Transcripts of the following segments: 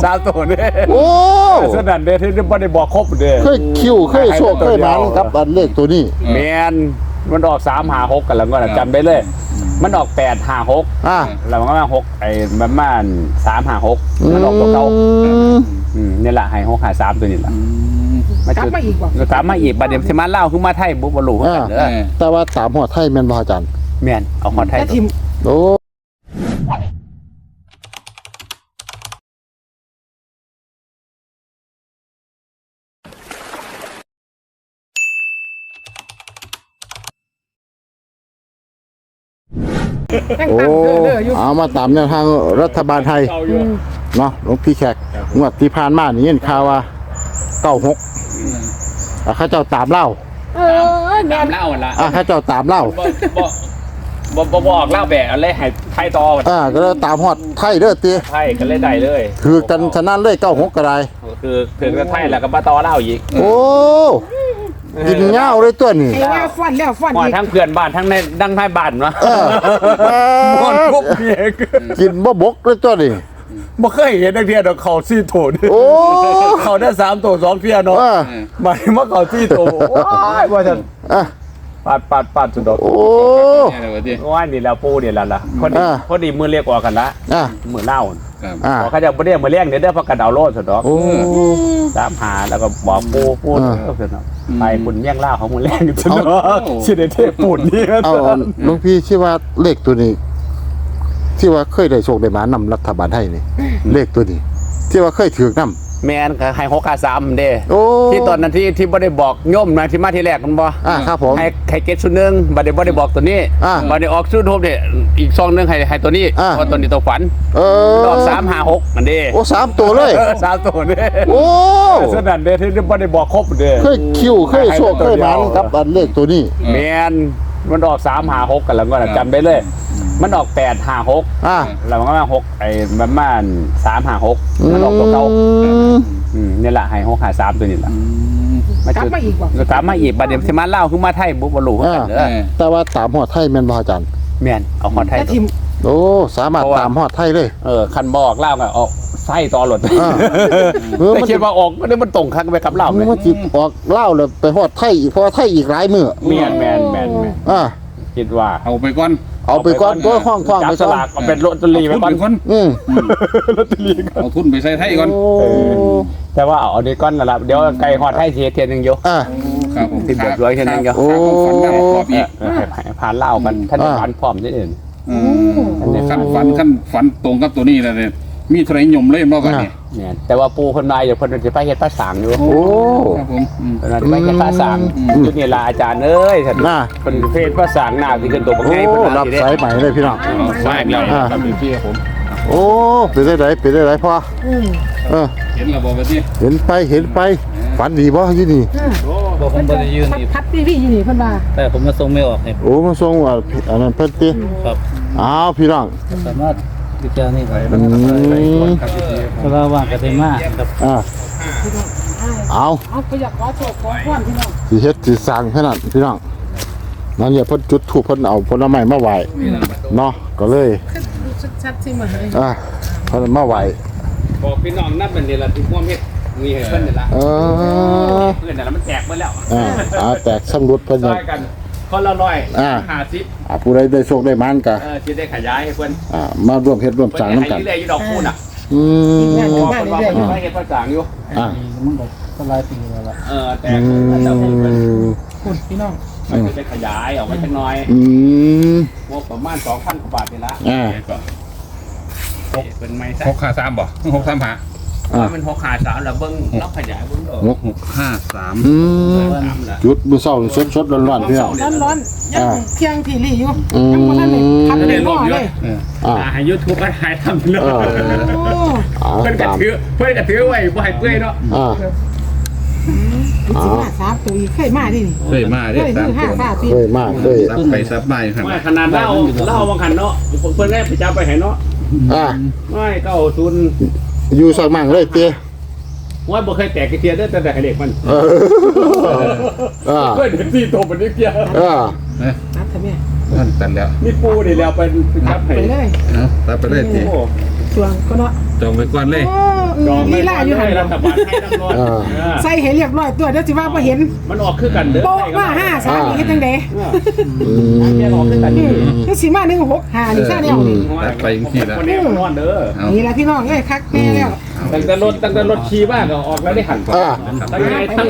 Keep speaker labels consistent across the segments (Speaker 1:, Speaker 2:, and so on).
Speaker 1: 3ตัวนี่
Speaker 2: โอ้
Speaker 1: สนั่นเด้ที่บ่ได้บอกครบเด้
Speaker 2: เคยคิวเคยโชคเคยมันกับอันเลขตัวนี้
Speaker 1: แม่นมันออก356กันแล้วก็จำได้เลยมันออก856แล้วมันก็มา6ไอ้ประมาณ356มันออกตัวเก่านี่แหละให้653ตัวนี้ล่ะ
Speaker 3: กลับมาอีกบ่
Speaker 1: กลับมาอีกบัดนี้สิมาเล่าคือมาไทยบ่รู้กันเด้อ
Speaker 2: แต่ว่าตามหอดไทยแม่นบ่อาจารย์
Speaker 1: แม่นเอาหอดไทย
Speaker 2: โอ้โอ้เอามาตามแนวทางรัฐบาลไทยเนาะหลวงพี่แขกงวดที่ผ่านมานี่เห็นข่าวว่า96เขาเจ้าตามเล่า
Speaker 1: ตามเล่าละ
Speaker 2: เขาเจ้าตามเล่า
Speaker 1: บ่บอกเล่าแบกอะไรให้ไทยต่อ
Speaker 2: ก็เลยตามฮอดไทยเด้อตี
Speaker 1: ไทยก็เลยได้เลย
Speaker 2: คือกันฉะนั้นเลย96ก็ได้
Speaker 1: คือถึงกับไทยแล้วก็มาต่อเล่าอีก
Speaker 2: โอ้กินเงาเลยตัวนี้
Speaker 3: ไอ้ว่าฟันแล้วฟันอีก
Speaker 1: ทั้งเพื่อนบ้านทั้งในดังไทยบ้านวะหมดปุ๊บ
Speaker 2: กินบ่บกเลยตัวนี้
Speaker 1: บ่เคยเห็นนักเรียนเขา4โถโอ้เขาได้3โถ2เพียเนาะหมายว่าเขา4โถว้ายว่าซั่นปัดสุดดอก
Speaker 2: โอ้
Speaker 1: ว่านี่แล้วปูนี่แล้วล่ะพอดีมือเรียกออกกันละมือเล่าเขาจะบ่ได้มือเลี้ยงเด้อเพราะกระดาวโลดสุดดอกตามหาแล้วก็บอกปูไปบุญเมี่ยงเล่าของมือเลี้ยงสุดดอกสิได้เทปุ่นนี่
Speaker 2: หลวงพี่คิดว่าเลขตัวนี้ที่ว่าเคยได้โชคได้มานำรัฐบาลไทยนี่เลขตัวนี้ที่ว่าเคยถือนำ
Speaker 1: แม่นก็ให้653เด้ที่ตอนนั้นที่บ่ได้บอกโยมนะที่มาที่แรกมันบ่
Speaker 2: ครับผม
Speaker 1: ให้เก็ตชุดนึงบ่ได้บอกตัวนี้บ่ได้ออกชุดโฮมเนี่ยอีกซองนึงให้ตัวนี้เพราะตัวนี้ตัวฝันดอก356นั่นเด้
Speaker 2: โอ้3ตัวเลย
Speaker 1: 3ตัวนี่
Speaker 2: โอ้
Speaker 1: สนั่นเด้ที่บ่ได้บอกครบเด้
Speaker 2: เคยคิวเคยโชคเคยมันกับอันเลขตัวนี้
Speaker 1: แม่นมันออก356กันแล้วก็จำได้เลยมันออก856แล้วมันก็มา6ไอ้ประมาณ356มันออกตัวเก่านี่แหละให้653ตัวนี้ล่ะ
Speaker 3: กลับมาอีกบ่
Speaker 1: กลับมาอีกบัดนี้สิมาเล่าคือมาไทยบ่รู้กันเด้อ
Speaker 2: แต่ว่าตามฮอดไทยแม่นบ่อาจารย์
Speaker 1: แม่นเอาฮอดไทย
Speaker 2: โอ้สามารถตามฮอดไทยเลย
Speaker 1: คันบอกเล่าก็ออกไส้ต่อหลดแต่คิดว่าออกมันตรงคักไปกับเล่าแม่
Speaker 2: มันสิออกเล่าแล้วไปฮอดไทยอีกเพราะไทยอีกหลายมื้อ
Speaker 1: แม่นคิดว่า
Speaker 2: เอาไปก่อนตัวห้องไป
Speaker 1: สลากเอาเป็นลอตเตอรี่ไปก่อนลอตเตอรี่
Speaker 4: เอาทุนไปใส่ไทยก่อน
Speaker 1: แต่ว่าเอาดีก้อนละเดี๋ยวไก่ฮอดไทยเทียนนึงอยู่
Speaker 4: ครับผม
Speaker 1: ติดแบบร้อยเทียนนึงอยู่ผ่านเล่ากันท่านผ่านพร้อมที่อื่น
Speaker 4: ขั้นฝันตรงกับตัวนี้แล้วเนี่ยมีเท่าไรยมเล่มรอบกัน
Speaker 1: เนี่ยแต่ว่าปูคนมาอยู่คนจะไปเฮ็ดภาษาอยู่
Speaker 2: โอ้
Speaker 4: ครับผม
Speaker 1: จะไปเฮ็ดภาษาจุดนี้ลาอาจารย์เอ้ยคนเพศภาษาหน้าที่เป็นตัวบักไง
Speaker 2: คนรับสายใหม่เลยพี่น้อง
Speaker 1: สายแล้วครับพี่ครับผม
Speaker 2: โอ้ไปได้ไหนพ่อ
Speaker 4: เห็นระบบแบบนี้
Speaker 2: เห็นไปฝันดีบ่อยู่นี่
Speaker 3: บอกผมบ่ได้ยืนนี่พัดพี่อยู่นี่เพิ่นว่า
Speaker 5: แต่ผมมาส่งไม่ออกนี่
Speaker 2: โอ้มาส่งว่าอันนั้นเพิ่นติ
Speaker 5: ครับ
Speaker 2: อ้าวพี่น้อง
Speaker 5: สามารถพิจารณาได้เพราะว่าว่างกันได้มากครับ
Speaker 2: เอา
Speaker 3: ก็อยากขอโชคขอพรพี่น้อง
Speaker 2: สิเฮ็ดสิสร้างขนาดพี่น้องนั่นเนี่ยเพิ่นจุดธูปเพิ่นเอาผลไม้มาไหว้เนาะก็เลย
Speaker 3: ชัดๆสิมาให้
Speaker 2: เพิ่นมาไหว้
Speaker 1: บอกพี่น้องนับเป็นนี่ล่ะที่ร่วมเฮ็ดมีให้เพิ่นนี่ล่ะเพิ่นน่ะมันแตกหมดแล้ว
Speaker 2: แตกสำรุดเพิ่น
Speaker 1: กันคนละ150
Speaker 2: ผู้ใดได้โชคได้มันก็
Speaker 1: สิได้ขยายให้เพิ่น
Speaker 2: มาร่วมเฮ็ดร่วมสร้างนำกัน
Speaker 1: ได้อยู่ดอกคูน่ะ
Speaker 3: บ้าน
Speaker 1: ได้เฮ็ดภาษาอยู่
Speaker 5: มันก็หลายปีแล้วล่ะ
Speaker 1: แต่แล้ว
Speaker 3: คุณพี่น้อง
Speaker 1: มันจะได้ขยายออกไปจักหน่อยงบประมาณ 2,000 กว่าบาทนี่ล่ะเป็นไม้ซะ
Speaker 4: 653บ่635
Speaker 1: มัน653แล้วเบิ่งล็อกขยายเบิ่ง
Speaker 2: 653จุดมื้อเช้าสดๆร้อนๆพี่น้อง
Speaker 3: ร้อนๆยังเที่ยงที่ลี่อยู่ยังบ่ทันได้ทำได้รอบเลย
Speaker 1: ให้ YouTube ก็ถ่ายทำเลยเพิ่นก็ถือไว้บ่ให้เปื่อยเนาะ
Speaker 3: 3ตัวอีกเคยมาดิ
Speaker 4: เคยมาเด้
Speaker 2: เคยมา
Speaker 4: ไปซับมาอยู่ครับ
Speaker 1: ขนาดเล่าบางคันเนาะเพิ่นได้ไปจับไปให้เนาะไม่90
Speaker 2: อยู่สักมั่งเลยเตี้ย
Speaker 1: ว่าบ่เคยแตกเทียได้แต่ให้เด็กมันเพิ่นสิโตเป็นนิดเดียว
Speaker 3: นับทำไม
Speaker 4: นั่นตันแล้ว
Speaker 1: นี่ปูนี่แล้วไปจับให้
Speaker 3: เลย
Speaker 4: ตัดไปเลยที
Speaker 3: ช่วงก็เนาะ
Speaker 4: จองไปก่อนเลย
Speaker 3: ลีลาอยู่หัน
Speaker 1: รัฐบาลให้น้ำร้อน
Speaker 3: ใส่ให้เรียบร้อยตัวเดี๋ยวสิว่าบ่เห็น
Speaker 1: มันออกคือกันเด้อ
Speaker 3: โป๊ะมา5 3นี่เฮ็ดจังได๋
Speaker 1: แม่ออกคือกันนี่
Speaker 3: คือสิมา1 6 5นี่ซะแนวนี่
Speaker 4: ไปอีกทีแล้ว
Speaker 1: คนนี้ร้อนเด้อ
Speaker 3: นี่ล่ะพี่น้องเอ้ยคักแน่แล้ว
Speaker 1: ตั้งแต่รถขี่บ้านก็ออกแล้วได้หันตั้งไงตั้ง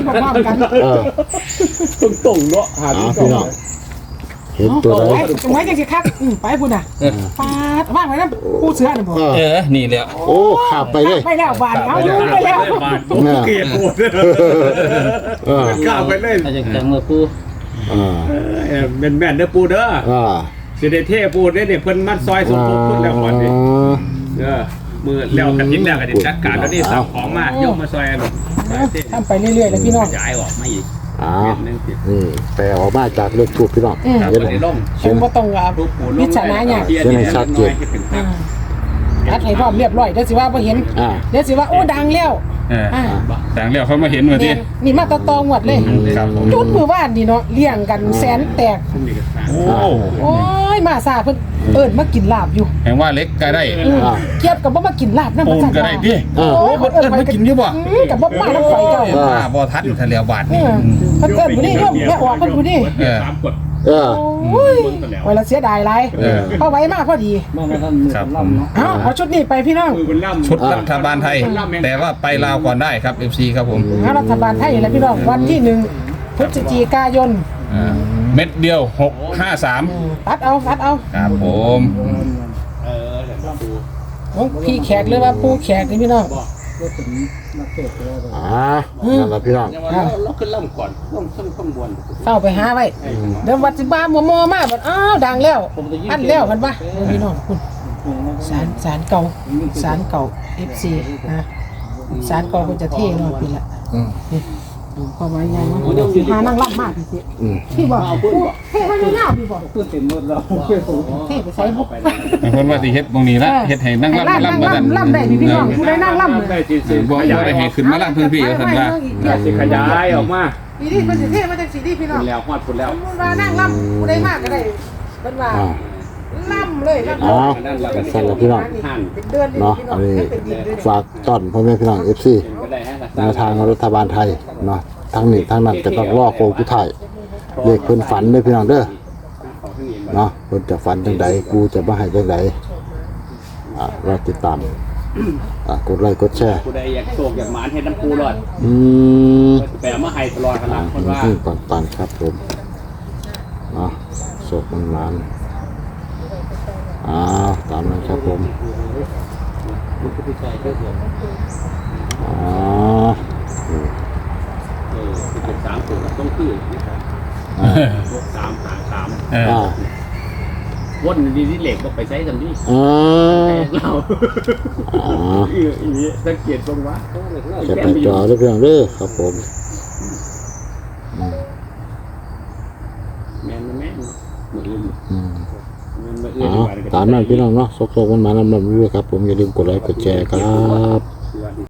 Speaker 1: ตรงเนาะหา
Speaker 2: พี่น้องเห็นตัวไหน
Speaker 3: ไว้จังสิคักไปพุ่นน่ะปาดว่างไว้นำผู้เสือน่ะบ่
Speaker 4: นี่แหละ
Speaker 2: โอ้ขับไปเลย
Speaker 3: ไปแล้วบาดเอาอยู่ไปแล้ว
Speaker 1: เกลียดโหดกล้าไปเลย
Speaker 5: อาจจะจังมือปู
Speaker 1: แม่นเด้อปูเด้อสิได้เท่ปูเด้เนี่ยเพิ่นมัดซอยสมทบทุนแล้วก่อนดิมือแล้วกันนิดแล้วก็ได้จัดการแล้วนี่สั่งของมาโยมมาซอยลูก
Speaker 3: ทำไปเรื่อยๆแล้วพี่น้อง
Speaker 1: ย้ายออกมาอีก
Speaker 2: นี่แปลออกมาจากเลขทูปพี่น้อง
Speaker 1: ครับ
Speaker 2: เห็น
Speaker 1: วันนี้ลง
Speaker 3: คงบ่ต้องว่าพิจารณาหยังอัดให้พร้อมเรียบร้อยเดี๋ยวสิว่าบ่เห็นเดี๋ยวสิว่าโอ้ดังแล้ว
Speaker 4: ดังแล้วเขามาเห็นมาที
Speaker 3: นี่มาตอหมดเลย
Speaker 4: ครับผม
Speaker 3: จุดมือว่านนี่เนาะเลี้ยงกันแสนแตก
Speaker 4: โอ้
Speaker 3: โอ้ยมาซาเพิ่นเอิ้นมากินลาบอยู่
Speaker 4: แห่งว่าเล็กก็ได้
Speaker 3: เกียบกับบ่มากินลาบนำ
Speaker 4: ปูนก็ได้ดิ
Speaker 3: โอ้ย
Speaker 4: เพิ่นมากินอยู่บ่
Speaker 3: กับบ่มาน้ำข่อยเจ้า
Speaker 4: บ่ทันทะเลบาทนี่
Speaker 3: เพิ่นเอิ้นผู้นี้โยมแม่ออกเพิ่นผู้นี้
Speaker 1: 3กด
Speaker 3: โอ้ยไว้ละเสียดายหลายพอไว้มาพอดี
Speaker 5: มองมาท่านมือลำเนาะ
Speaker 3: เอาชุดนี้ไปพี่น้อง
Speaker 1: มือมันล่ำ
Speaker 4: ชุดรัฐบาลไทย แต่ว่าไปลาวก่อนได้ครับ FC ครับผม
Speaker 3: รัฐบาลไทยแหละพี่น้องวันที่1พฤศจิกายน
Speaker 4: เม็ดเดียว 653
Speaker 3: ตัดเอา
Speaker 4: ครับผม
Speaker 3: ของพี่แขกหรือว่าปู่แขกนี่พี่น้อง
Speaker 5: ก็เป็นนักเตะตัว
Speaker 2: นั่นแหละพี่น้อง
Speaker 1: เราขึ้นล่ำก่อนข้างบน
Speaker 3: เข้าไปหาไว้เดี๋ยววัดสิบ้ามัวมาบัดอ้าวดังแล้วอันแล้วมันปะพี่น้องคุณสารเก่าFC นะสารเก่าคุณจะเท่เนาะพี่ละพอไว้ยังสิหานั่งรับมากพี่บอกเท่ไว้ยาวพี่บอก
Speaker 5: พูดเต็มหมดแล้ว
Speaker 3: เท่ไปใส่บุก
Speaker 4: บางคนว่าสิเฮ็ดตรงนี้ละเฮ็ดให้นั่งรับมารับมาดัน
Speaker 3: ล่ำได้พี่น้องผู้ใดนั่งล่ำ
Speaker 1: ได้จีซี
Speaker 4: บ่ได้ให้ขึ้นมารับเพิ่นพี่ว่าซั่นว่า
Speaker 1: สิขยายออกมา
Speaker 3: นี่ดิมันสิเท่มาจากสีดิพี่น้อง
Speaker 1: แล้วฮอดพุ่นแล้ว
Speaker 3: มันว่านั่งล่ำผู้ใดมากก็ได้เป็นว่าล่ำเลยล่ำ
Speaker 2: สั่นละพี่น้อง
Speaker 3: เป็นเดือน
Speaker 2: เนาะอันนี้ฝากต้อนพ่อแม่พี่น้อง FC แนวทางรัฐบาลไทยเนาะทั้งนี้ทั้งนั้นก็ต้องรอโคงผู้ไทยเลขเพิ่นฝันเด้อพี่น้องเด้อเนาะเพิ่นจะฝันจังใดกูจะมาให้จังใดรอติดตามกดไลค์กดแชร์
Speaker 1: ผู้ใดอยากโศกอยากหมานเฮ็ดน้ำปูรอดแปลมาให้ตลอดขนาดคนว่า
Speaker 2: ปันครับผมเนาะโศกมันมานตามนั้นครับผม
Speaker 1: เป็น3ตัวต้องคือ3 วนดีเหล็กก็ไปใช้ทำนี่เราสังเกตตรงว่า
Speaker 2: จะไปจอเรื่องเด้อครับผม
Speaker 1: แม่เหมือน
Speaker 2: ตามนั้นพี่น้องเนาะสกๆมันมานำเรื่อยครับผมอย่าลืมกดไลค์กดแชร์ครับ